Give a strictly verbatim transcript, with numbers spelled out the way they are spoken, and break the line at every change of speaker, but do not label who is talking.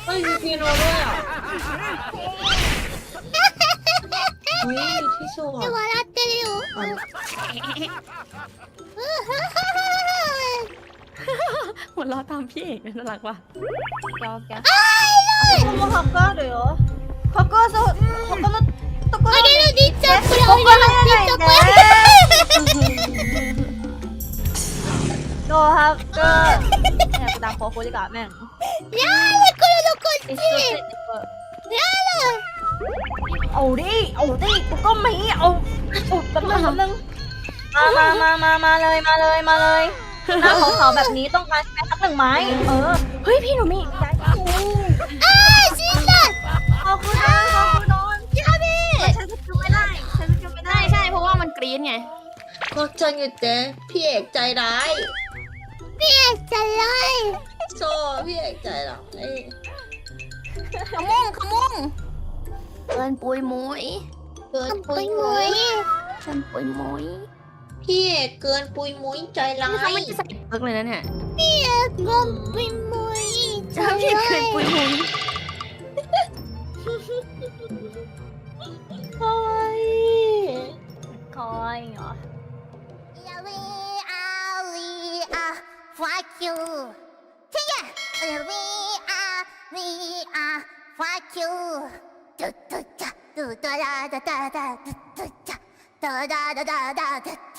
ฮ้ยมีเปียโนด้วยอ่ะเฮ้ยที่สว
笑
ด
ってるよ
หัวเราะตามพี่เอกน่ารักว่ะยอมแก
もう墓あるよ墓そう他のところ
俺のりっちゃんこれ俺のりっちゃんこれ
どうハックเนี่ยกูตามโคคูดีกว่าแม่ง
やだこれのこっちやだ
เอาดิเอาดิกูก็มีเอาเอาแป๊บนึงแป๊บนึงมามามามามาเลยมาเลยมาเลยหน้าขาวๆแบบนี้ต้องการใช้สักหนึ่งไม้เออเฮ้ยพี่หนูมีย้ายกู
あー死んだ
ขอบคุณนะขอบคุณนอน
やべえ
ใช้สกิลไม่ได้ใช้สกิลไม่ได้
ใช่ใช่เพราะว่ามันกรี๊ดไง
ก็จังอยู่เจ๊พี่เอกใจร้าย
พี่เอกจะไล่
โซ่พี่เอกใจร้าย
ขมุงขมุงเกินปุยมุย
เกิน
ไป
ปุย
หม
มุ
วย
ย
เกินปุยมุย
พี่เอกเกินปุยมุยใจร้า
นี่เขา
ย
ไม่ได้ใส่เพิกเลยนะเนี่ย
พี่เอกงงไปหมวยจะ
ถ้าพี่
ไล่
เกินปุยมุย
โอ้ย
คอยเหรอ
やべえありあ fuck you てややべえありあ fuck you ドゥドゥチャドゥドラダダダドゥドゥチャドラダダダドゥ